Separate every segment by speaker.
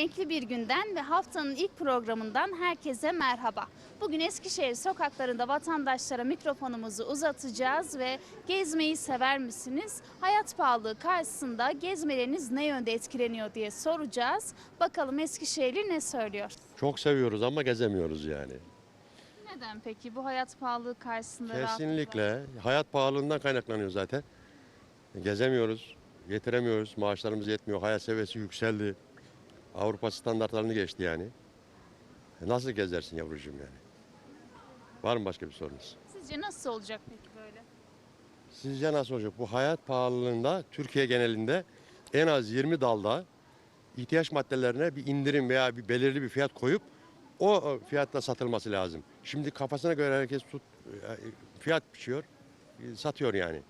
Speaker 1: Renkli bir günden ve haftanın ilk programından herkese merhaba. Bugün Eskişehir sokaklarında vatandaşlara mikrofonumuzu uzatacağız ve gezmeyi sever misiniz? Hayat pahalılığı karşısında gezmeleriniz ne yönde etkileniyor diye soracağız. Bakalım Eskişehirli ne söylüyor?
Speaker 2: Çok seviyoruz ama gezemiyoruz yani.
Speaker 1: Neden peki bu hayat pahalılığı karşısında
Speaker 2: Kesinlikle hayat pahalılığından kaynaklanıyor zaten. Gezemiyoruz, getiremiyoruz, maaşlarımız yetmiyor, hayat seviyesi yükseldi. Avrupa standartlarını geçti yani. Nasıl gezersin yavrucuğum yani? Var mı başka bir sorunuz?
Speaker 1: Sizce nasıl olacak peki böyle?
Speaker 2: Sizce nasıl olacak? Bu hayat pahalılığında Türkiye genelinde en az 20 dalda ihtiyaç maddelerine bir indirim veya bir belirli bir fiyat koyup o fiyatta satılması lazım. Şimdi kafasına göre herkes fiyat biçiyor, satıyor yani.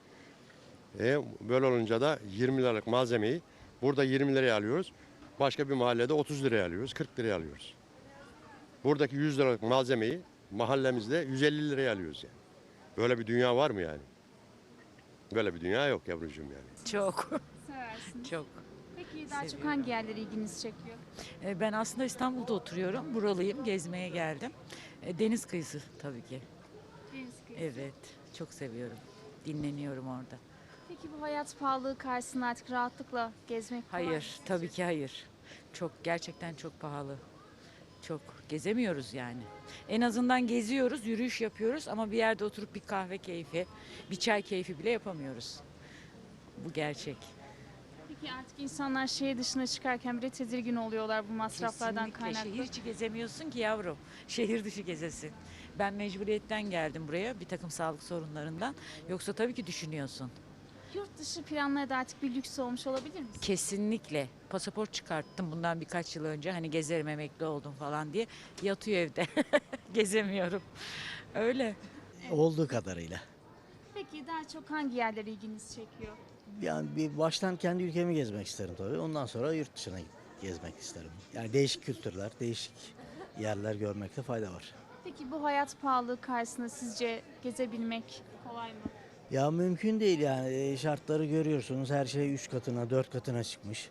Speaker 2: Böyle olunca da 20 liralık malzemeyi burada 20 liraya alıyoruz. Başka bir mahallede 30 liraya alıyoruz, 40 liraya alıyoruz. Buradaki 100 liralık malzemeyi mahallemizde 150 liraya alıyoruz yani. Böyle bir dünya var mı yani? Böyle bir dünya yok yavrucuğum yani.
Speaker 3: Çok,
Speaker 1: Seversiniz.
Speaker 3: çok.
Speaker 1: Peki daha çok hangi yerleri ilginizi çekiyor?
Speaker 3: Ben aslında İstanbul'da oturuyorum. Buralıyım, gezmeye geldim. Deniz kıyısı tabii ki.
Speaker 1: Deniz kıyısı.
Speaker 3: Evet, çok seviyorum. Dinleniyorum orada.
Speaker 1: Peki bu hayat pahalılığı karşısında artık rahatlıkla gezmek kolay mı
Speaker 3: Hayır,
Speaker 1: sizce?
Speaker 3: tabii ki hayır. Çok, gerçekten çok pahalı. Çok. Gezemiyoruz yani. En azından geziyoruz, yürüyüş yapıyoruz ama bir yerde oturup bir kahve keyfi, bir çay keyfi bile yapamıyoruz. Bu gerçek.
Speaker 1: Peki artık insanlar şehir dışına çıkarken bile tedirgin oluyorlar bu masraflardan
Speaker 3: Kesinlikle.
Speaker 1: kaynaklı.
Speaker 3: Şehir içi gezemiyorsun ki yavrum. Şehir dışı gezesin. Ben mecburiyetten geldim buraya bir takım sağlık sorunlarından. Yoksa tabii ki düşünüyorsun.
Speaker 1: Yurt dışı planları da artık bir lüks olmuş olabilir mi?
Speaker 3: Kesinlikle. Pasaport çıkarttım bundan birkaç yıl önce. Hani gezerim emekli oldum falan diye. Yatıyor evde. Gezemiyorum. Öyle.
Speaker 4: Olduğu kadarıyla.
Speaker 1: Peki daha çok hangi yerler ilginizi çekiyor?
Speaker 4: Yani bir baştan kendi ülkemi gezmek isterim tabii. Ondan sonra yurt dışına gezmek isterim. Yani değişik kültürler, değişik yerler görmekte fayda var.
Speaker 1: Peki bu hayat pahalılığı karşısında sizce gezebilmek kolay mı?
Speaker 4: Ya mümkün değil yani. Şartları görüyorsunuz. Her şey 3 katına, 4 katına çıkmış.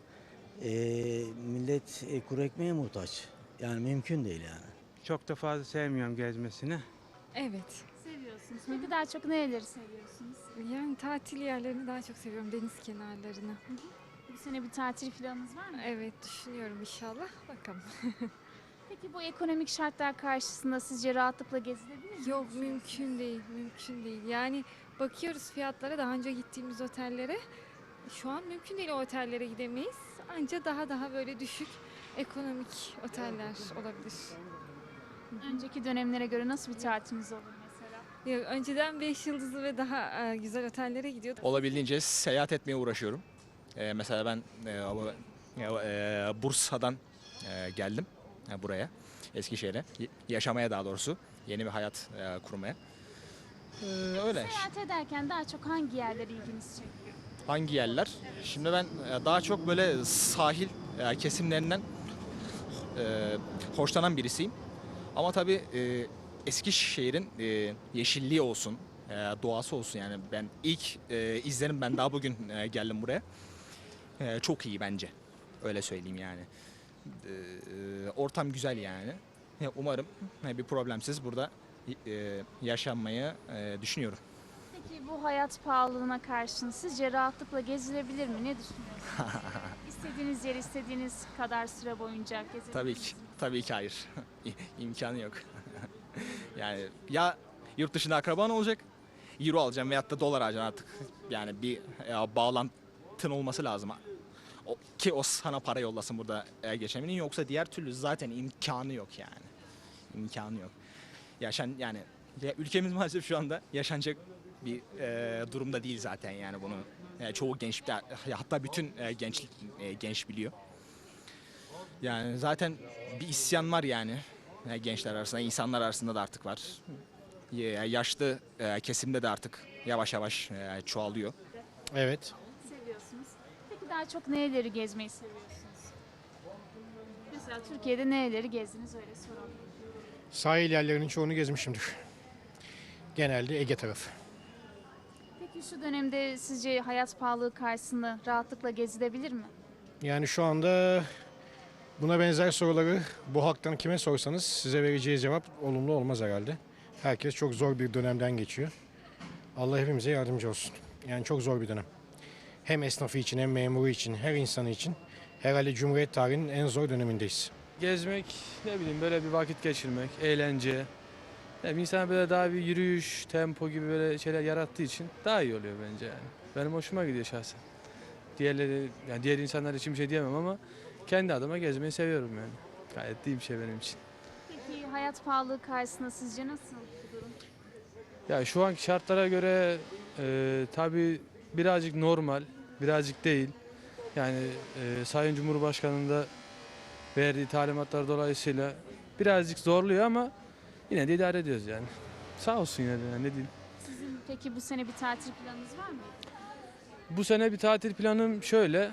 Speaker 4: Millet kuru ekmeğe muhtaç. Yani mümkün değil yani.
Speaker 5: Çok da fazla sevmiyorum gezmesini.
Speaker 6: Evet.
Speaker 1: Seviyorsunuz. Peki daha çok nereleri seviyorsunuz?
Speaker 6: Yani tatil yerlerini daha çok seviyorum. Deniz kenarlarını.
Speaker 1: Bu sene bir tatil planınız var mı?
Speaker 6: Evet düşünüyorum inşallah. Bakalım.
Speaker 1: Peki bu ekonomik şartlar karşısında sizce rahatlıkla gezilebilir mi?
Speaker 6: Yok mümkün değil. Mümkün değil. Yani bakıyoruz fiyatlara daha önce gittiğimiz otellere. Şu an mümkün değil o otellere gidemeyiz. Anca daha böyle düşük ekonomik oteller olabilir.
Speaker 1: Önceki dönemlere göre nasıl bir tatiliniz olur mesela?
Speaker 6: Ya, önceden 5 yıldızlı ve daha güzel otellere gidiyorduk.
Speaker 7: Olabildiğince seyahat etmeye uğraşıyorum. Mesela ben Bursa'dan geldim buraya, Eskişehir'e. Yaşamaya daha doğrusu. Yeni bir hayat kurmaya. Öyle.
Speaker 1: Seyahat ederken daha çok hangi yerler ilginizi çekiyor?
Speaker 7: Hangi yerler? Şimdi ben daha çok böyle sahil kesimlerinden hoşlanan birisiyim. Ama tabii Eskişehir'in yeşilliği olsun, doğası olsun yani ben ilk izlerim ben daha bugün geldim buraya. Çok iyi bence. Öyle söyleyeyim yani. Ortam güzel yani. Umarım bir problemsiz burada yaşanmayı düşünüyorum.
Speaker 1: Peki bu hayat pahalılığına karşın sizce rahatlıkla gezilebilir mi? Ne düşünüyorsunuz? İstediğiniz yer istediğiniz kadar süre boyunca gezebilir
Speaker 7: Tabii ki.
Speaker 1: misiniz?
Speaker 7: Tabii ki hayır. İmkanı yok. Yani ya yurt dışında akraban olacak, euro alacağım veyahut da dolar alacaksın artık. Yani bir bağlantın olması lazım. Ki o sana para yollasın burada geçemenin yoksa diğer türlü zaten imkanı yok yani. İmkanı yok. Yani ülkemiz maalesef şu anda yaşanacak bir durumda değil zaten yani bunu çoğu genç hatta bütün genç biliyor. Yani zaten bir isyan var yani gençler arasında, insanlar arasında da artık var. Yaşlı kesimde de artık yavaş yavaş çoğalıyor.
Speaker 8: Evet.
Speaker 1: Seviyorsunuz. Peki daha çok nereleri gezmeyi seviyorsunuz? Mesela Türkiye'de nereleri gezdiniz öyle soralım.
Speaker 8: Sahil yerlerinin çoğunu gezmişimdir. Genelde Ege tarafı.
Speaker 1: Peki şu dönemde sizce hayat pahalılığı karşısında rahatlıkla gezilebilir mi?
Speaker 8: Yani şu anda Buna benzer soruları bu halktan kime sorsanız size vereceği cevap olumlu olmaz herhalde. Herkes çok zor bir dönemden geçiyor. Allah hepimize yardımcı olsun. Yani çok zor bir dönem. Hem esnafı için hem memuru için, her insanı için herhalde Cumhuriyet tarihinin en zor dönemindeyiz.
Speaker 9: Gezmek, ne bileyim böyle bir vakit geçirmek, eğlence. Ne bileyim, insan böyle daha bir yürüyüş, tempo gibi böyle şeyler yarattığı için daha iyi oluyor bence yani. Benim hoşuma gidiyor şahsen. Diğerleri, yani diğer insanlar için bir şey diyemem ama kendi adıma gezmeyi seviyorum yani. Gayet iyi bir şey benim için.
Speaker 1: Peki hayat pahalılığı karşısında sizce nasıl bu durum?
Speaker 9: Ya şu anki şartlara göre tabii birazcık normal, birazcık değil. Yani Sayın Cumhurbaşkanı'nın da verdiği talimatlar dolayısıyla birazcık zorluyor ama yine de idare ediyoruz yani. Sağ olsun yine de yani, ne diyeyim.
Speaker 1: Sizin peki bu sene bir tatil planınız var mı?
Speaker 9: Bu sene bir tatil planım şöyle,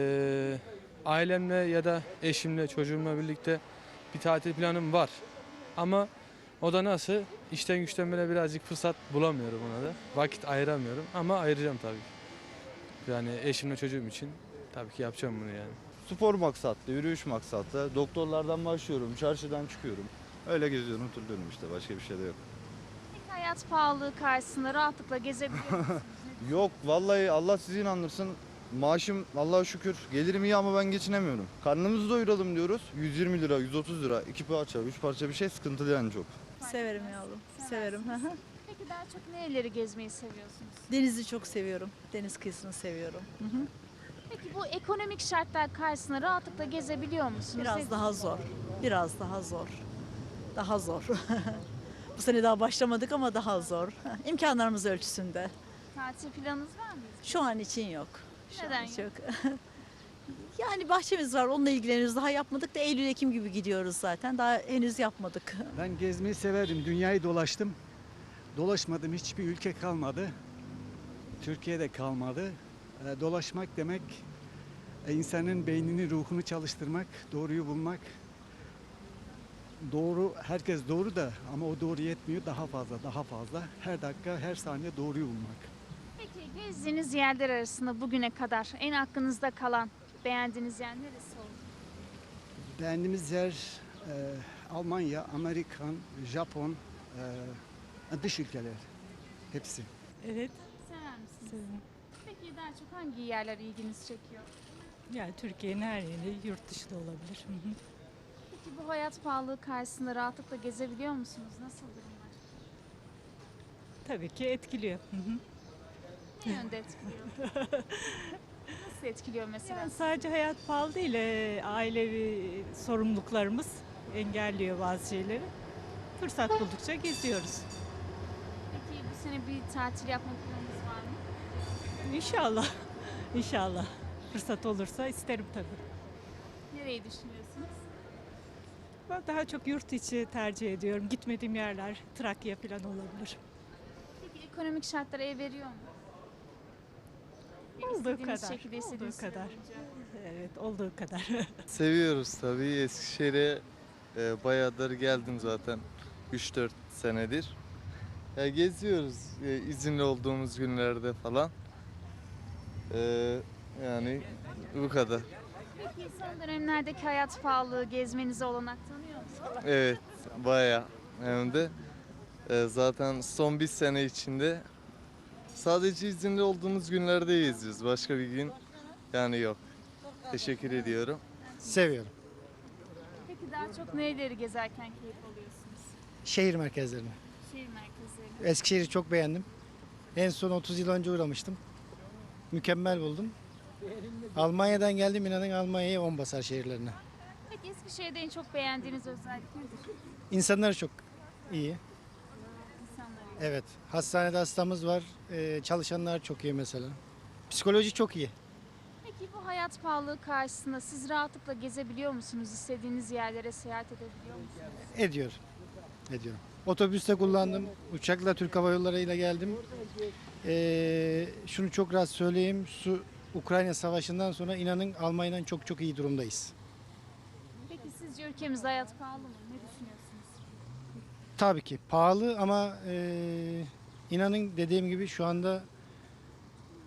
Speaker 9: ailemle ya da eşimle, çocuğumla birlikte bir tatil planım var. Ama o da nasıl? İşten güçten böyle birazcık fırsat bulamıyorum ona da. Vakit ayıramıyorum ama ayıracağım tabii. Yani eşimle çocuğum için tabii ki yapacağım bunu yani.
Speaker 10: Spor maksatlı, yürüyüş maksatlı. Doktorlardan başlıyorum, çarşıdan çıkıyorum. Öyle geziyorum, turluyorum işte. Başka bir şey de yok.
Speaker 1: Peki hayat pahalılığı karşısında rahatlıkla gezebiliyor musunuz?
Speaker 10: Yok, vallahi Allah sizi inandırsın. Maaşım Allah'a şükür gelirim iyi ama ben geçinemiyorum. Karnımızı doyuralım diyoruz. 120 lira, 130 lira, 2 parça, 3 parça bir şey sıkıntılı yani çok.
Speaker 11: Severim yavrum, severim.
Speaker 1: Peki daha çok nereleri gezmeyi seviyorsunuz?
Speaker 11: Denizi çok seviyorum, deniz kıyısını seviyorum.
Speaker 1: Peki bu ekonomik şartlar karşısında rahatlıkla gezebiliyor musunuz?
Speaker 11: Biraz daha zor, biraz daha zor, daha zor. Bu sene daha başlamadık ama daha zor. İmkanlarımız ölçüsünde.
Speaker 1: Tatil planınız var mı?
Speaker 11: Şu an için yok. Şu
Speaker 1: Neden
Speaker 11: an yok? Yani bahçemiz var, onunla ilgileniyoruz. Daha yapmadık da Eylül-Ekim gibi gidiyoruz zaten. Daha henüz yapmadık.
Speaker 12: Ben gezmeyi severim. Dünyayı dolaştım. Dolaşmadım hiçbir ülke kalmadı. Türkiye'de kalmadı. Dolaşmak demek insanın beynini, ruhunu çalıştırmak, doğruyu bulmak. Doğru, herkes doğru da ama o doğru yetmiyor. Daha fazla, daha fazla. Her dakika, her saniye doğruyu bulmak.
Speaker 1: Peki gezdiğiniz yerler arasında bugüne kadar en aklınızda kalan, beğendiğiniz yer neresi oldu?
Speaker 12: Beğendiğimiz yer Almanya, Amerikan, Japon, dış ülkeler. Hepsi.
Speaker 11: Evet,
Speaker 1: Sever misiniz? Peki daha çok hangi yerler ilginizi çekiyor?
Speaker 11: yani Türkiye'nin her yeri yurt dışı da olabilir.
Speaker 1: Peki bu hayat pahalılığı karşısında rahatlıkla gezebiliyor musunuz? Nasıl durumlar?
Speaker 11: Tabii ki etkiliyor.
Speaker 1: Ne yönde etkiliyor? Nasıl etkiliyor mesela?
Speaker 11: Yani sadece hayat pahalı değil, ailevi sorumluluklarımız engelliyor bazı şeyleri. Fırsat buldukça geziyoruz.
Speaker 1: Peki bu sene bir tatil yapma planınız var mı?
Speaker 11: İnşallah, inşallah. Fırsat olursa isterim tabii.
Speaker 1: Nereyi düşünüyorsunuz?
Speaker 11: Ben daha çok yurt içi tercih ediyorum. Gitmediğim yerler Trakya falan olabilir.
Speaker 1: Peki ekonomik şartlar el veriyor mu?
Speaker 11: Olduğu
Speaker 1: İstediğiniz
Speaker 11: kadar,
Speaker 1: şekilde istediğiniz
Speaker 11: olduğu
Speaker 1: süre
Speaker 11: kadar.
Speaker 1: boyunca.
Speaker 11: Evet, olduğu kadar.
Speaker 13: Seviyoruz tabii. Eskişehir'e bayağıdır geldim zaten. 3-4 senedir. Geziyoruz izinli olduğumuz günlerde falan. Yani bu kadar.
Speaker 1: Peki son dönemlerdeki hayat pahalılığı gezmenize olanak tanıyor musunuz?
Speaker 13: Evet, bayağı. Hem de zaten son bir sene içinde sadece izinli olduğumuz günlerde geziyoruz. Başka bir gün yani yok. Teşekkür ediyorum.
Speaker 8: Seviyorum.
Speaker 1: Peki daha çok nereleri gezerken keyif alıyorsunuz?
Speaker 8: Şehir merkezlerini.
Speaker 1: Şehir merkezleri.
Speaker 8: Eskişehir'i çok beğendim. En son 30 yıl önce uğramıştım. Mükemmel buldum. Almanya'dan geldim, inanın Almanya'ya 10 basar şehirlerine.
Speaker 1: Peki Eskişehir'de en çok beğendiğiniz özellik nedir?
Speaker 8: İnsanlar çok iyi.
Speaker 1: İnsanları.
Speaker 8: Evet. Hastanede hastamız var. Çalışanlar çok iyi mesela. Psikoloji çok iyi.
Speaker 1: Peki bu hayat pahalılığı karşısında siz rahatlıkla gezebiliyor musunuz? İstediğiniz yerlere seyahat edebiliyor musunuz?
Speaker 8: Ediyor. Ediyorum. Otobüste kullandım. Uçakla Türk Hava Yolları ile geldim. Şunu çok rahat söyleyeyim. Ukrayna Savaşı'ndan sonra inanın Almanya'dan çok çok iyi durumdayız.
Speaker 1: Peki sizce ülkemizde hayat pahalı mı? Ne düşünüyorsunuz?
Speaker 8: Tabii ki pahalı ama inanın dediğim gibi şu anda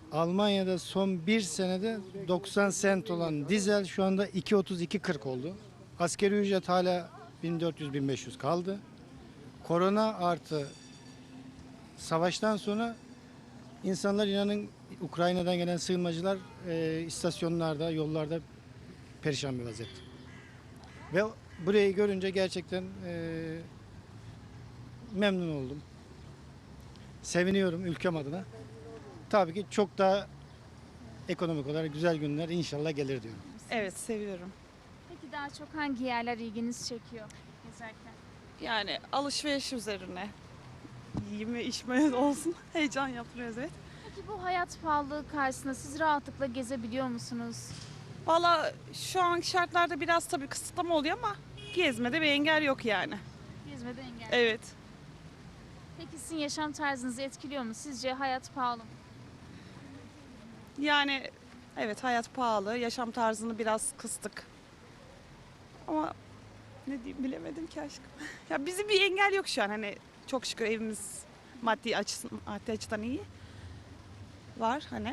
Speaker 8: Almanya'da son bir senede 90 sent olan dizel şu anda 2.30-2.40 oldu.
Speaker 14: Asgari ücret hala 1400-1500 kaldı. Korona artı savaştan sonra insanlar inanın Ukrayna'dan gelen sığınmacılar istasyonlarda, yollarda perişan bir vaziyette. Ve burayı görünce gerçekten memnun oldum. Seviniyorum ülkem adına. Tabii ki çok daha ekonomik olarak güzel günler inşallah gelir diyorum.
Speaker 15: Evet, seviyorum.
Speaker 1: Peki daha çok hangi yerler ilginizi çekiyor gezerken?
Speaker 15: Yani alışveriş üzerine. Yeme içme olsun. Heyecan yaptırıyoruz, evet.
Speaker 1: Peki bu hayat pahalılığı karşısında siz rahatlıkla gezebiliyor musunuz?
Speaker 15: Valla şu an şartlarda biraz tabii kısıtlama oluyor ama gezmede bir engel yok yani.
Speaker 1: Gezmede engel.
Speaker 15: Evet.
Speaker 1: Peki sizin yaşam tarzınızı etkiliyor mu? Sizce hayat pahalı mı?
Speaker 15: Yani evet, hayat pahalı. Yaşam tarzını biraz kıstık. Ama ne diyeyim bilemedim ki aşkım. Ya bizim bir engel yok şu an. Hani çok şükür evimiz maddi açıdan iyi. Var hani.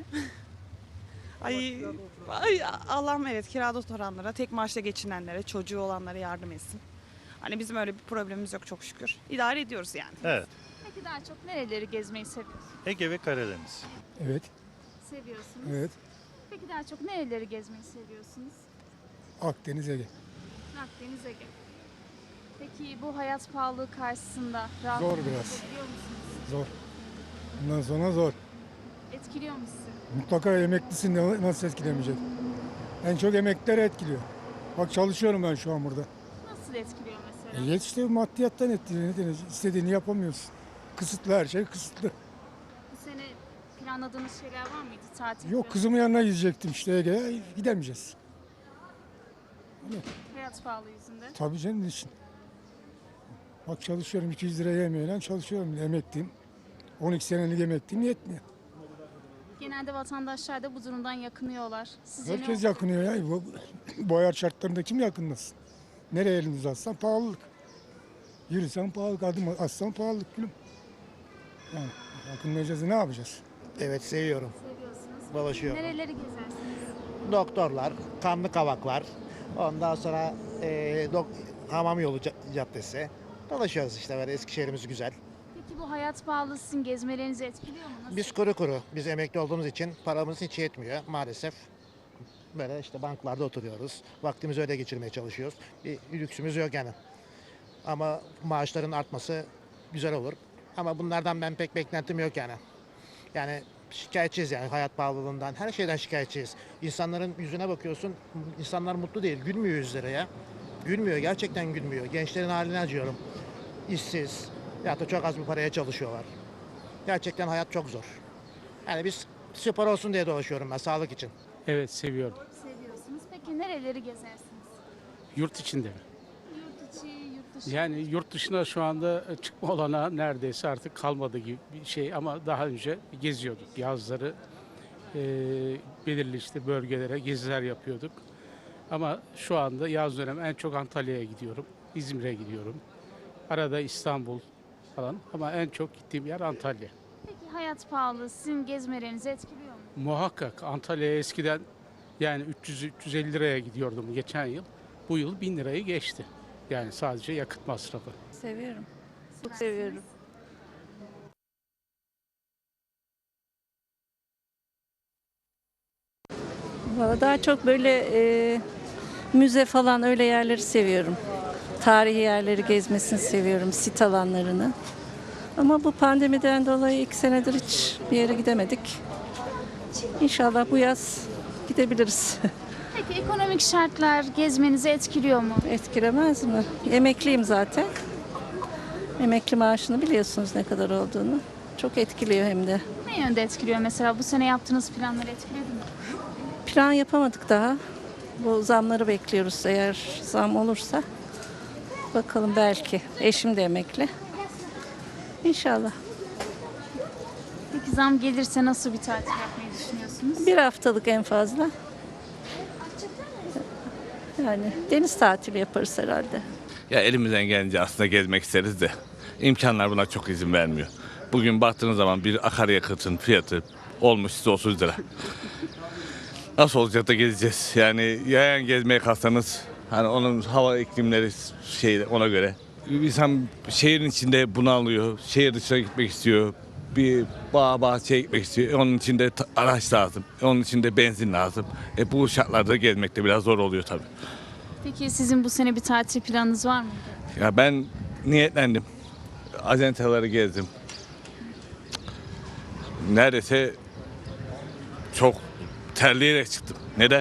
Speaker 15: Ay Allah'ım, evet, kirada oturanlara, tek maaşla geçinenlere, çocuğu olanlara yardım etsin. Hani bizim öyle bir problemimiz yok çok şükür. İdare ediyoruz yani.
Speaker 16: Evet.
Speaker 1: Peki daha çok nereleri gezmeyi seviyorsunuz?
Speaker 16: Ege ve Karadeniz.
Speaker 12: Evet,
Speaker 1: Seviyorsunuz.
Speaker 12: evet.
Speaker 1: Peki daha çok nereleri gezmeyi seviyorsunuz?
Speaker 12: Akdeniz, Ege.
Speaker 1: Akdeniz, Ege. Peki bu hayat pahalılığı karşısında
Speaker 12: Zor
Speaker 1: rahatlıkla
Speaker 12: biraz.
Speaker 1: gezebiliyor musunuz?
Speaker 12: Zor. Bundan sonra zor.
Speaker 1: Etkiliyor mu sizi?
Speaker 12: Mutlaka emeklisin de nasıl etkilemeyecek? En çok emekliler etkiliyor. Bak çalışıyorum ben şu an burada.
Speaker 1: Nasıl etkiliyor mesela?
Speaker 12: İşte maddiyattan etkiliyor. Ne denir? İstediğini yapamıyorsun. Kısıtlı, her şey kısıtlı.
Speaker 1: Bu sene planladığınız şeyler var mıydı? Tatil
Speaker 12: Yok, kızımın yanına gidecektim işte Ege'ye. Gidemeyeceğiz.
Speaker 1: Hayat pahalı yüzünden.
Speaker 12: Tabii canım, için. Bak çalışıyorum, 200 liraya yemeğiyle çalışıyorum. Emekliyim. 12 senelik emekliyim, yetmiyor.
Speaker 1: Genelde vatandaşlar da bu durumdan yakınıyorlar. Sizce ne
Speaker 12: Herkes
Speaker 1: olur?
Speaker 12: yakınıyor ya. Bu hayat şartlarında kim yakınlasın? Nereye elini uzatsan pahalılık. Yürüsen pahalılık, adım atsan pahalılık gülüm. Yani yakınlayacağız, ne yapacağız?
Speaker 17: Evet, seviyorum.
Speaker 1: Seviyorsunuz.
Speaker 17: Dolaşıyorum.
Speaker 1: Nereleri gezersiniz?
Speaker 17: Doktorlar, kanlı kavaklar, ondan sonra Hamam Yolu Caddesi. Dolaşıyoruz işte, böyle Eskişehir'imiz güzel.
Speaker 1: Peki bu hayat pahalı sizin gezmelerinizi etkiliyor mu? Nasıl?
Speaker 17: Biz kuru, biz emekli olduğumuz için paramız hiç yetmiyor maalesef. Böyle işte banklarda oturuyoruz. Vaktimizi öyle geçirmeye çalışıyoruz. Bir lüksümüz yok yani. Ama maaşların artması güzel olur. Ama bunlardan ben pek beklentim yok yani. Yani şikayetçiyiz yani hayat pahalılığından. Her şeyden şikayetçiyiz. İnsanların yüzüne bakıyorsun. İnsanlar mutlu değil. Gülmüyor yüzleri ya. Gülmüyor. Gerçekten gülmüyor. Gençlerin haline acıyorum. İşsiz. Ya da çok az bir paraya çalışıyorlar. Gerçekten hayat çok zor. Yani biz spor olsun diye dolaşıyorum ben, sağlık için.
Speaker 18: Evet, seviyorum.
Speaker 1: Seviyorsunuz. Peki nereleri gezersiniz?
Speaker 18: Yurt içinde mi?
Speaker 1: Yurt içi, yurt dışı.
Speaker 18: Yani yurt dışına şu anda çıkma olanağı neredeyse artık kalmadı gibi bir şey ama daha önce geziyorduk. Yazları belirli işte bölgelere geziler yapıyorduk. Ama şu anda yaz dönemi en çok Antalya'ya gidiyorum, İzmir'e gidiyorum. Arada İstanbul falan ama en çok gittiğim yer Antalya.
Speaker 1: Peki hayat pahalı sizin gezmelerinizi etkiliyor mu?
Speaker 18: Muhakkak Antalya'ya eskiden yani 300-350 liraya gidiyordum geçen yıl. Bu yıl 1000 lirayı geçti. Yani sadece yakıt masrafı.
Speaker 19: Seviyorum. Çok seviyorum. Valla daha çok böyle müze falan öyle yerleri seviyorum. Tarihi yerleri gezmesini seviyorum, sit alanlarını. Ama bu pandemiden dolayı 2 senedir hiç bir yere gidemedik. İnşallah bu yaz gidebiliriz.
Speaker 1: Peki ekonomik şartlar gezmenizi etkiliyor mu?
Speaker 19: Etkilemez mi? Emekliyim zaten. Emekli maaşını biliyorsunuz ne kadar olduğunu. Çok etkiliyor hem de.
Speaker 1: Ne yönde etkiliyor mesela? Bu sene yaptığınız planları etkiledi mi?
Speaker 19: Plan yapamadık daha. Bu zamları bekliyoruz eğer zam olursa. Bakalım belki. Eşim de emekli. İnşallah.
Speaker 1: Peki zam gelirse nasıl bir tatil yapmayı düşünüyorsunuz?
Speaker 19: 1 haftalık en fazla. Yani deniz tatili yaparız herhalde.
Speaker 20: Ya elimizden gelince aslında gezmek isteriz de imkanlar buna çok izin vermiyor. Bugün baktığınız zaman bir akaryakıtın fiyatı olmuş size 30 lira. Nasıl olacak da gezeceğiz? Yani yayan gezmeye kalksanız Hani onun hava iklimleri ona göre. İnsan şehrin içinde bunalıyor. Şehir dışına gitmek istiyor. Bir bahçeye gitmek istiyor. Onun için de araç lazım. Onun için de benzin lazım. Bu şartlarda gezmek de biraz zor oluyor tabii.
Speaker 1: Peki sizin bu sene bir tatil planınız var mı?
Speaker 20: Ya ben niyetlendim. Acenteleri gezdim. Neredeyse çok terleyerek çıktım. Neden?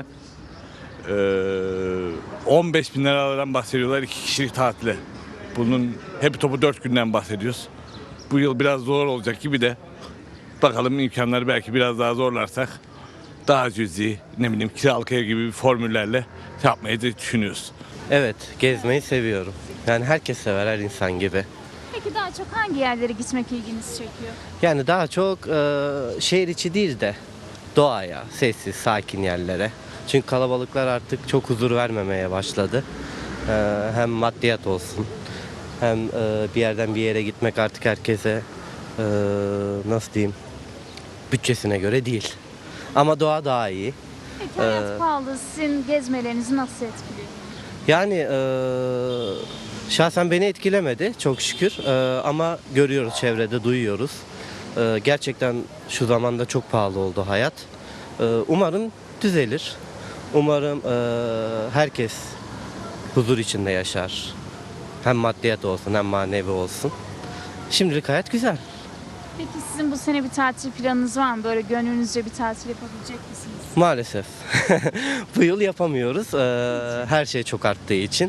Speaker 20: 15 bin liralardan bahsediyorlar 2 kişilik tatile. Bunun hep topu 4 günden bahsediyoruz. Bu yıl biraz zor olacak gibi de. Bakalım imkanları belki biraz daha zorlarsak daha cüzi, kiralık ev gibi formüllerle yapmayı da düşünüyoruz.
Speaker 16: Evet, gezmeyi seviyorum. Yani herkes sever, her insan gibi.
Speaker 1: Peki daha çok hangi yerlere gitmek ilginizi çekiyor?
Speaker 16: Yani daha çok şehir içi değil de doğaya, sessiz, sakin yerlere. Çünkü kalabalıklar artık çok huzur vermemeye başladı. Hem maddiyat olsun, hem bir yerden bir yere gitmek artık herkese nasıl diyeyim, bütçesine göre değil. Ama doğa daha iyi.
Speaker 1: Peki hayat pahalı sizin gezmelerinizi nasıl etkiliyor?
Speaker 16: Yani şahsen beni etkilemedi çok şükür. Ama görüyoruz çevrede, duyuyoruz. Gerçekten şu zamanda çok pahalı oldu hayat. Umarım düzelir. Umarım herkes huzur içinde yaşar. Hem maddiyat olsun hem manevi olsun. Şimdilik hayat güzel.
Speaker 1: Peki sizin bu sene bir tatil planınız var mı? Böyle gönlünüzce bir tatil yapabilecek misiniz?
Speaker 16: Maalesef. Bu yıl yapamıyoruz. Her şey çok arttığı için.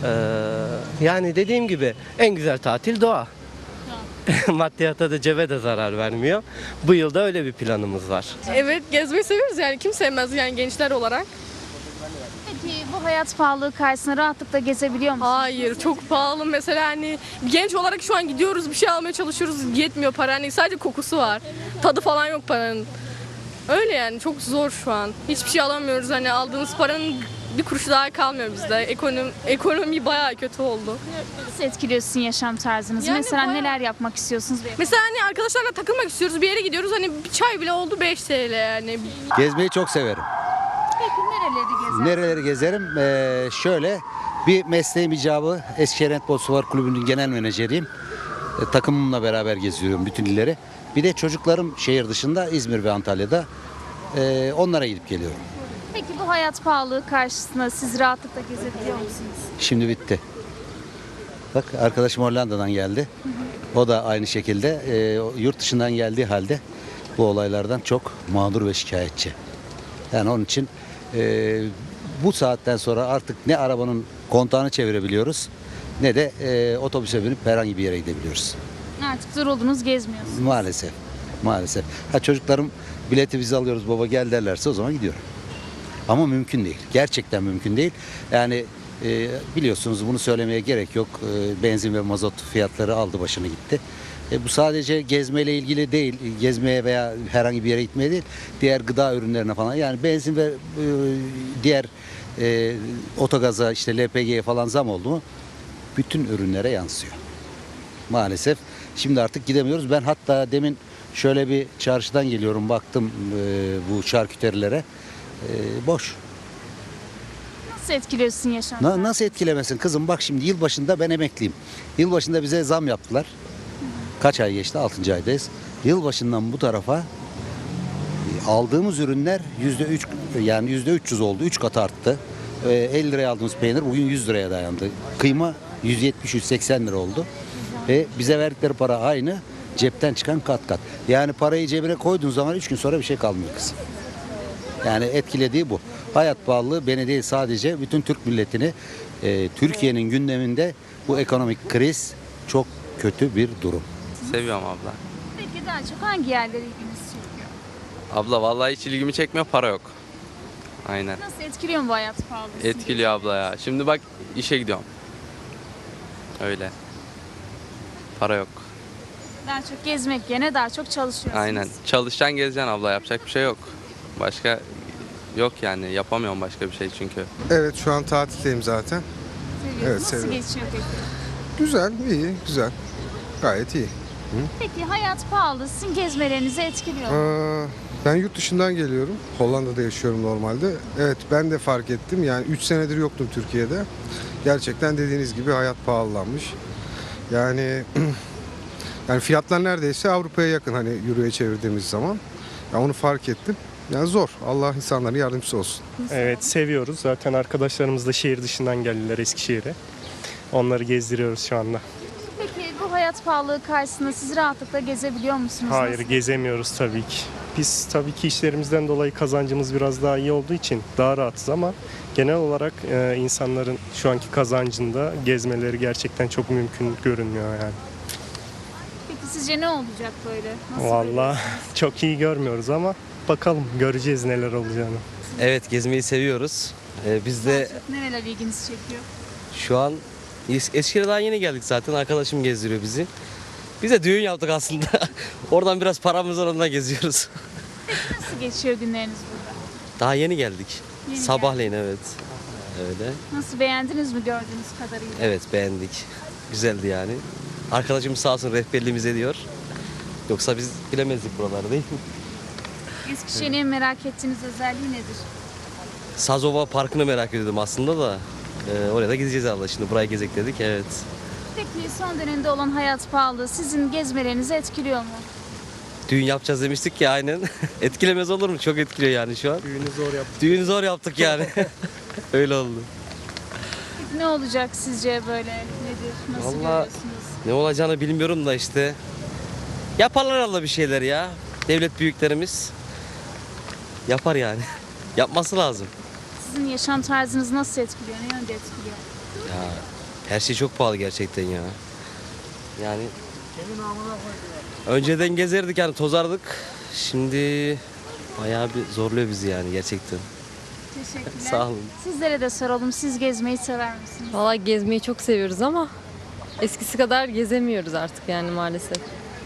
Speaker 16: Yani dediğim gibi en güzel tatil doğa. Maddiyata da cebe de zarar vermiyor. Bu yılda öyle bir planımız var.
Speaker 21: Evet, gezmeyi seviyoruz yani. Kim sevmez yani gençler olarak.
Speaker 1: Peki bu hayat pahalılığı karşısında rahatlıkla gezebiliyor musunuz?
Speaker 21: Hayır, çok pahalı. Mesela hani genç olarak şu an gidiyoruz, bir şey almaya çalışıyoruz. Yetmiyor para. Hani sadece kokusu var. Tadı falan yok paranın. Öyle yani çok zor şu an. Hiçbir şey alamıyoruz. Hani aldığımız paranın bir kuruşu daha kalmıyor bizde. Ekonomi bayağı kötü oldu.
Speaker 1: Nasıl etkiliyorsun yaşam tarzınızı?
Speaker 21: Yani
Speaker 1: Mesela
Speaker 21: bayağı-
Speaker 1: neler yapmak istiyorsunuz?
Speaker 21: Mesela hani arkadaşlarla takılmak istiyoruz. Bir yere gidiyoruz. Hani bir çay bile oldu 5 TL yani.
Speaker 22: Gezmeyi çok severim.
Speaker 1: Peki nereleri gezersiniz?
Speaker 22: Nereleri gezerim? Şöyle bir mesleğim icabı Eskişehir Handbol Suvar Kulübü'nün genel menajeriyim. Takımımla beraber geziyorum bütün illeri. Bir de çocuklarım şehir dışında İzmir ve Antalya'da. Onlara gidip geliyorum.
Speaker 1: Peki bu hayat pahalılığı karşısında siz rahatlıkla gezebiliyor musunuz?
Speaker 22: Şimdi bitti. Bak arkadaşım Hollanda'dan geldi. O da aynı şekilde yurt dışından geldiği halde bu olaylardan çok mağdur ve şikayetçi. Yani onun için bu saatten sonra artık ne arabanın kontağını çevirebiliyoruz ne de otobüse binip herhangi bir yere gidebiliyoruz.
Speaker 1: Artık yoruldunuz, gezmiyorsunuz.
Speaker 22: Maalesef. Maalesef. Çocuklarım bileti biz alıyoruz baba gel derlerse o zaman gidiyorum. Ama mümkün değil. Gerçekten mümkün değil. Yani biliyorsunuz bunu söylemeye gerek yok. Benzin ve mazot fiyatları aldı başını gitti. Bu sadece gezmeyle ilgili değil. Gezmeye veya herhangi bir yere gitmeye değil. Diğer gıda ürünlerine falan. Yani benzin ve diğer otogaza işte LPG'ye falan zam oldu mu bütün ürünlere yansıyor. Maalesef. Şimdi artık gidemiyoruz. Ben hatta demin şöyle bir çarşıdan geliyorum baktım bu şarküterilere. Boş.
Speaker 1: Nasıl etkiliyorsun yaşam tarzını?
Speaker 22: Nasıl etkilemesin kızım? Bak şimdi yılbaşında ben emekliyim. Yılbaşında bize zam yaptılar. Kaç ay geçti? 6. aydayız. Yılbaşından bu tarafa aldığımız ürünler %3 yani %300 oldu. 3 kat arttı. 50 liraya aldığımız peynir bugün 100 liraya dayandı. Kıyma 170-180 lira oldu. Ve bize verdikleri para aynı. Cepten çıkan kat kat. Yani parayı cebine koyduğun zaman 3 gün sonra bir şey kalmıyor kızım. Yani etkilediği bu. Hayat pahalılığı beni değil sadece bütün Türk milletini Türkiye'nin gündeminde bu ekonomik kriz çok kötü bir durum.
Speaker 23: Seviyorum abla.
Speaker 1: Peki daha çok hangi yerlere ilginizi çekiyor?
Speaker 23: Abla vallahi hiç ilgimi çekmiyor, para yok. Aynen.
Speaker 1: Nasıl etkiliyor mu bu hayat pahalılığı?
Speaker 23: Etkiliyor abla ya. Şimdi bak işe gidiyorum. Öyle. Para yok.
Speaker 1: Daha çok gezmek yerine daha çok çalışıyorsunuz.
Speaker 23: Aynen. Çalışacaksın gezeceksin abla, yapacak bir şey yok. Başka yok yani, yapamıyorum başka bir şey çünkü.
Speaker 24: Evet şu an tatildeyim zaten.
Speaker 1: Seviyorsunuz.
Speaker 24: Evet,
Speaker 1: Nasıl
Speaker 24: seviyorum.
Speaker 1: geçiyor peki?
Speaker 24: Güzel, iyi, güzel. Gayet iyi.
Speaker 1: Peki hayat pahalı sizin gezmelerinizi etkiliyor mu?
Speaker 24: Ben yurt dışından geliyorum. Hollanda'da yaşıyorum normalde. Evet, ben de fark ettim. Yani 3 senedir yoktum Türkiye'de. Gerçekten dediğiniz gibi hayat pahalanmış. Yani fiyatlar neredeyse Avrupa'ya yakın, hani euroya çevirdiğimiz zaman. Ya onu fark ettim. Yani zor. Allah insanların yardımcısı olsun.
Speaker 2: Evet, seviyoruz. Zaten arkadaşlarımız da şehir dışından geldiler Eskişehir'e. Onları gezdiriyoruz şu anda.
Speaker 1: Peki bu hayat pahalılığı karşısında siz rahatlıkla gezebiliyor musunuz?
Speaker 2: Hayır,
Speaker 1: Nasıl?
Speaker 2: gezemiyoruz tabii ki. Biz tabii ki işlerimizden dolayı kazancımız biraz daha iyi olduğu için daha rahatız ama genel olarak insanların şu anki kazancında gezmeleri gerçekten çok mümkün görünmüyor yani.
Speaker 1: Peki sizce ne olacak böyle? Nasıl
Speaker 2: Vallahi çok iyi görmüyoruz ama bakalım, göreceğiz neler olacağını.
Speaker 16: Evet, gezmeyi seviyoruz. Biz de
Speaker 1: nereler ilginizi çekiyor?
Speaker 16: şu an Eskişehir'e daha yeni geldik zaten. Arkadaşım gezdiriyor bizi. Biz de düğün yaptık aslında. Oradan biraz paramız var, ondan geziyoruz.
Speaker 1: Nasıl geçiyor günleriniz burada?
Speaker 16: Daha yeni geldik.
Speaker 1: Yeni
Speaker 16: Sabahleyin evet. Öyle.
Speaker 1: Nasıl, beğendiniz mi gördüğünüz kadarıyla?
Speaker 16: Evet, beğendik. Güzeldi yani. Arkadaşım sağ olsun rehberliğimiz ediyor. Yoksa biz bilemezdik buraları, değil mi?
Speaker 1: Eskişehir'in en merak ettiğiniz özelliği nedir?
Speaker 16: Sazova Parkı'nı merak ediyordum aslında da. Oraya da gideceğiz Allah, şimdi buraya gezek dedik, evet.
Speaker 1: Peki son dönemde olan hayat pahalılığı sizin gezmelerinizi etkiliyor mu?
Speaker 16: Düğün yapacağız demiştik ya, aynen. Etkilemez olur mu? Çok etkiliyor yani şu an.
Speaker 2: Düğünü zor yaptık.
Speaker 16: Düğünü zor yaptık yani. Öyle oldu.
Speaker 1: Peki ne olacak sizce böyle? Nedir? Nasıl
Speaker 16: Vallahi
Speaker 1: görüyorsunuz?
Speaker 16: ne olacağını bilmiyorum da işte. Yaparlar Allah bir şeyler ya. Devlet büyüklerimiz yapar yani. Yapması lazım.
Speaker 1: Sizin yaşam tarzınız nasıl etkiliyor? Ne yönde etkiliyor?
Speaker 16: Ya her şey çok pahalı gerçekten ya. Yani önceden gezerdik yani, tozardık. Şimdi bayağı bir zorluyor bizi yani gerçekten.
Speaker 1: Teşekkürler.
Speaker 16: Sağ olun.
Speaker 1: Sizlere de soralım. Siz gezmeyi sever misiniz?
Speaker 3: Valla gezmeyi çok seviyoruz ama eskisi kadar gezemiyoruz artık yani maalesef.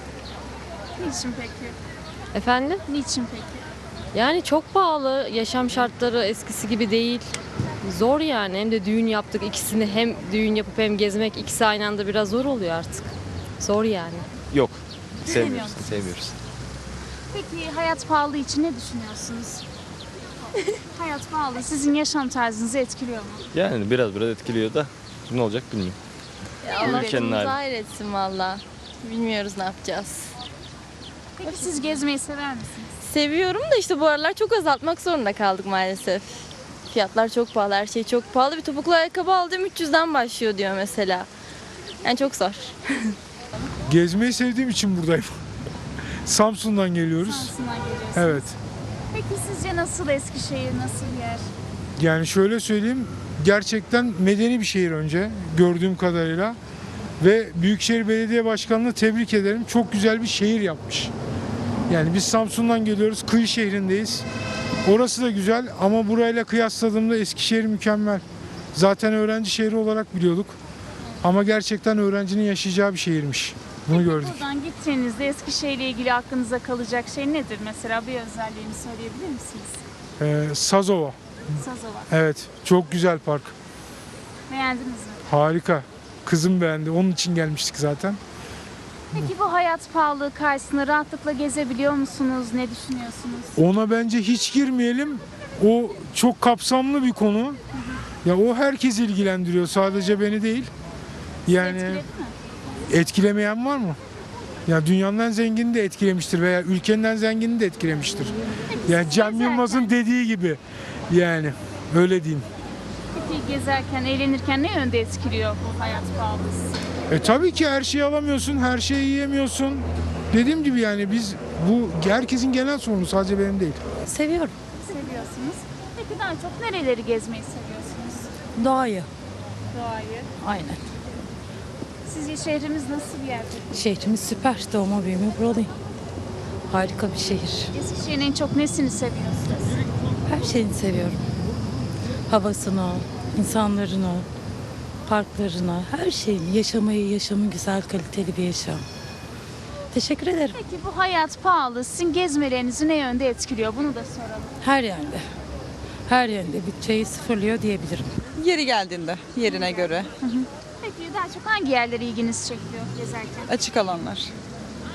Speaker 1: Niçin peki?
Speaker 3: Efendim?
Speaker 1: Niçin peki?
Speaker 3: Yani çok pahalı, yaşam şartları eskisi gibi değil. Zor yani, hem de düğün yaptık, ikisini hem düğün yapıp hem gezmek, ikisi aynı anda biraz zor oluyor artık. Zor yani.
Speaker 4: Yok.
Speaker 1: Sevmiyoruz.
Speaker 4: Sevmiyoruz.
Speaker 1: Peki hayat pahalı için ne düşünüyorsunuz? Hayat pahalı sizin yaşam tarzınızı etkiliyor mu?
Speaker 4: Yani biraz etkiliyor da ne olacak bilmiyorum.
Speaker 5: Allah
Speaker 4: Ülkenin
Speaker 5: sonumuzu
Speaker 4: hali.
Speaker 5: hayretsin valla. Bilmiyoruz ne yapacağız.
Speaker 1: Peki siz gezmeyi sever misiniz?
Speaker 5: Seviyorum da işte bu aralar çok azaltmak zorunda kaldık maalesef. Fiyatlar çok pahalı, her şey çok pahalı. Bir topuklu ayakkabı aldım 300'den başlıyor diyor mesela. Yani çok zor.
Speaker 25: Gezmeyi sevdiğim için buradayım. Samsun'dan geliyoruz.
Speaker 1: Samsun'dan geliyorsunuz.
Speaker 25: Evet.
Speaker 1: Peki sizce nasıl Eskişehir, nasıl bir yer?
Speaker 25: Yani şöyle söyleyeyim, gerçekten medeni bir şehir önce gördüğüm kadarıyla. Ve Büyükşehir Belediye Başkanı'nı tebrik ederim. Çok güzel bir şehir yapmış. Yani biz Samsun'dan geliyoruz, kıyı şehrindeyiz. Orası da güzel ama burayla kıyasladığımda Eskişehir mükemmel. Zaten öğrenci şehri olarak biliyorduk. Ama gerçekten öğrencinin yaşayacağı bir şehirmiş. Bunu gördük.
Speaker 1: Buradan gittiğinizde Eskişehir ile ilgili aklınıza kalacak şey nedir? Mesela bir özelliğini söyleyebilir misiniz?
Speaker 25: Sazova.
Speaker 1: Sazova.
Speaker 25: Evet, çok güzel park.
Speaker 1: Beğendiniz mi?
Speaker 25: Harika. Kızım beğendi. Onun için gelmiştik zaten.
Speaker 1: Peki bu hayat pahalılığı karşısında rahatlıkla gezebiliyor musunuz? Ne düşünüyorsunuz?
Speaker 25: Ona bence hiç girmeyelim. O çok kapsamlı bir konu. Ya o herkesi ilgilendiriyor. Sadece beni değil. Yani etkilemeyen var mı? Ya dünyanın en zengini de etkilemiştir veya ülkenin en zengini de etkilemiştir. Yani Cem Yılmaz'ın dediği gibi. Yani öyle diyeyim.
Speaker 1: Peki gezerken, eğlenirken ne yönde etkiliyor bu hayat pahalılığı?
Speaker 25: Tabii ki her şeyi alamıyorsun, her şeyi yiyemiyorsun. Dediğim gibi yani biz bu herkesin genel sorunu, sadece benim değil.
Speaker 3: Seviyorum.
Speaker 1: Seviyorsunuz. Peki daha çok nereleri gezmeyi seviyorsunuz?
Speaker 11: Doğayı.
Speaker 1: Doğayı.
Speaker 11: Aynen.
Speaker 1: Sizce şehrimiz nasıl bir yer peki?
Speaker 11: Şehrimiz süper. Doğma büyüme buralıyım. Harika bir şehir.
Speaker 1: Eskişehir'in en çok nesini seviyorsunuz?
Speaker 11: Her şeyini seviyorum. Havasını, insanlarını, parklarını, her şeyini. Yaşamı güzel, kaliteli bir yaşam. Teşekkür ederim.
Speaker 1: Peki bu hayat pahalı sizin gezmelerinizi ne yönde etkiliyor? Bunu da soralım.
Speaker 11: Her yerde. Her yönde bütçeyi sıfırlıyor diyebilirim.
Speaker 26: Yeri geldiğinde, yerine göre.
Speaker 1: Peki daha çok hangi yerlere ilginizi çekiyor gezerken?
Speaker 26: Açık alanlar.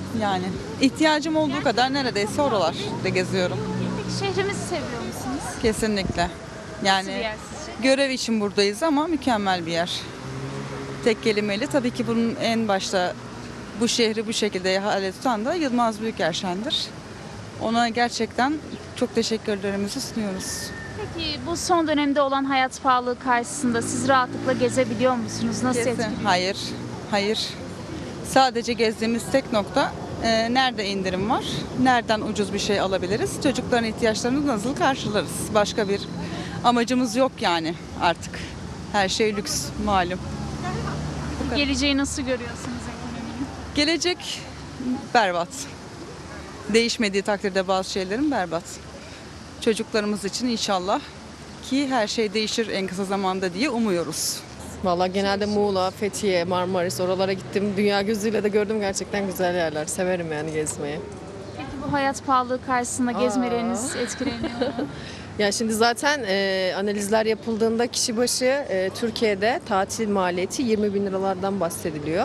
Speaker 26: Yani ihtiyacım olduğu kadar neredeyse oralarda geziyorum.
Speaker 1: Peki şehrimizi seviyor musunuz?
Speaker 26: Kesinlikle.
Speaker 1: Nasıl bir
Speaker 26: Yani
Speaker 1: yer sizce?
Speaker 26: görev için buradayız ama mükemmel bir yer. Tek kelimeyle tabii ki bunun en başta bu şehri bu şekilde hale tutan da Yılmaz Büyükerşen'dir. Ona gerçekten çok teşekkürlerimizi sunuyoruz.
Speaker 1: Peki bu son dönemde olan hayat pahalılığı karşısında siz rahatlıkla gezebiliyor musunuz? Nasıl
Speaker 26: Kesin.
Speaker 1: etkiliyor?
Speaker 26: Hayır. Sadece gezdiğimiz tek nokta nerede indirim var, nereden ucuz bir şey alabiliriz, çocukların ihtiyaçlarını nasıl karşılarız. Başka bir amacımız yok yani artık. Her şey lüks malum.
Speaker 1: Geleceği nasıl görüyorsunuz ekonominin?
Speaker 26: Gelecek berbat. Değişmediği takdirde bazı şeylerin berbat. Çocuklarımız için inşallah ki her şey değişir en kısa zamanda diye umuyoruz.
Speaker 3: Valla genelde Muğla, Fethiye, Marmaris oralara gittim. Dünya gözüyle de gördüm, gerçekten güzel yerler. Severim yani gezmeyi.
Speaker 1: Peki bu hayat pahalılığı karşısında gezmeleriniz etkileniyor mu?
Speaker 3: Ya şimdi zaten analizler yapıldığında kişi başı Türkiye'de tatil maliyeti 20 bin liralardan bahsediliyor.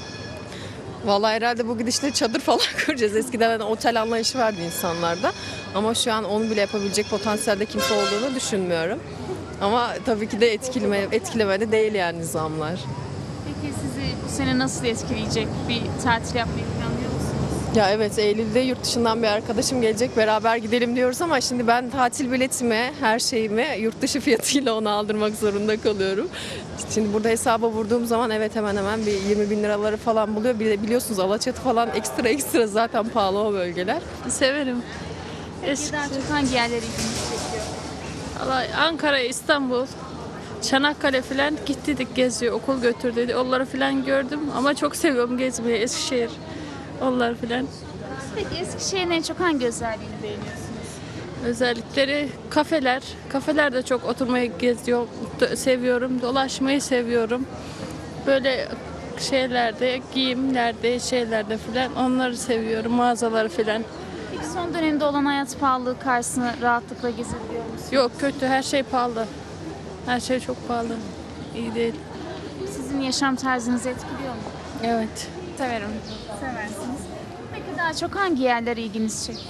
Speaker 3: Vallahi herhalde bu gidişle çadır falan kuracağız. Eskiden hani otel anlayışı vardı insanlarda. Ama şu an onu bile yapabilecek potansiyelde kimse olduğunu düşünmüyorum. Ama tabii ki de etkilemede değil yani zamlar.
Speaker 1: Peki sizi bu sene nasıl etkileyecek? Bir tatil yapmayı planlıyor musunuz?
Speaker 3: Ya evet, Eylül'de yurt dışından bir arkadaşım gelecek, beraber gidelim diyoruz ama şimdi ben tatil biletimi, her şeyimi yurt dışı fiyatıyla ona aldırmak zorunda kalıyorum. Şimdi burada hesaba vurduğum zaman evet hemen hemen bir 20 bin liraları falan buluyor. Bir de biliyorsunuz Alaçatı falan ekstra zaten pahalı o bölgeler.
Speaker 6: Severim.
Speaker 1: Peki daha çok hangi yerleri ilginizi çekiyor?
Speaker 6: Vallahi Ankara, İstanbul, Çanakkale falan gittik geziyor. Okul götürdü. Onları falan gördüm ama çok seviyorum gezmeyi. Eskişehir, onlar falan.
Speaker 1: Peki Eskişehir'in en çok hangi özelliğini beğeniyorsunuz?
Speaker 6: Özellikleri kafeler. Kafelerde çok oturmayı geziyorum, seviyorum. Dolaşmayı seviyorum. Böyle şeylerde, giyimlerde, şeylerde falan onları seviyorum. Mağazaları falan.
Speaker 1: Peki son dönemde olan hayat pahalılığı karşısında rahatlıkla gezebiliyor musunuz?
Speaker 6: Yok, kötü, her şey pahalı. Her şey çok pahalı. İyi değil.
Speaker 1: Sizin yaşam tarzınızı etkiliyor mu?
Speaker 6: Evet. Severim.
Speaker 1: Seversiniz. Peki daha çok hangi yerler ilginizi çekiyor?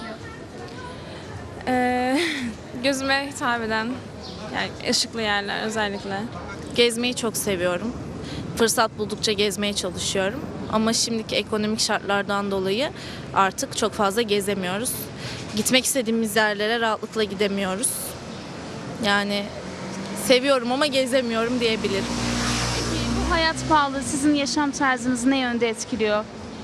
Speaker 7: Gözüme hitap eden, yani ışıklı yerler özellikle. Gezmeyi çok seviyorum. Fırsat buldukça gezmeye çalışıyorum. Ama şimdiki ekonomik şartlardan dolayı artık çok fazla gezemiyoruz. Gitmek istediğimiz yerlere rahatlıkla gidemiyoruz. Yani seviyorum ama gezemiyorum diyebilirim.
Speaker 1: Peki bu hayat pahalılığı sizin yaşam tarzınızı ne yönde etkiliyor?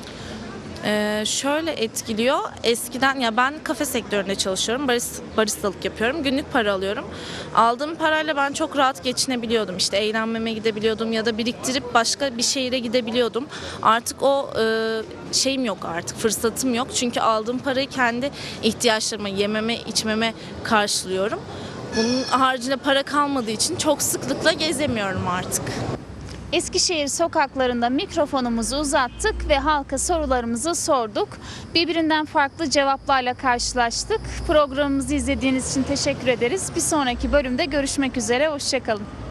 Speaker 7: Şöyle etkiliyor. Eskiden ya ben kafe sektöründe çalışıyorum. Baristalık yapıyorum. Günlük para alıyorum. Aldığım parayla ben çok rahat geçinebiliyordum. İşte eğlenmeme gidebiliyordum ya da biriktirip başka bir şehire gidebiliyordum. Artık o şeyim yok artık. Fırsatım yok. Çünkü aldığım parayı kendi ihtiyaçlarıma, yememe, içmeme karşılıyorum. Bunun haricinde para kalmadığı için çok sıklıkla gezemiyorum artık.
Speaker 1: Eskişehir sokaklarında mikrofonumuzu uzattık ve halka sorularımızı sorduk. Birbirinden farklı cevaplarla karşılaştık. Programımızı izlediğiniz için teşekkür ederiz. Bir sonraki bölümde görüşmek üzere, hoşça kalın.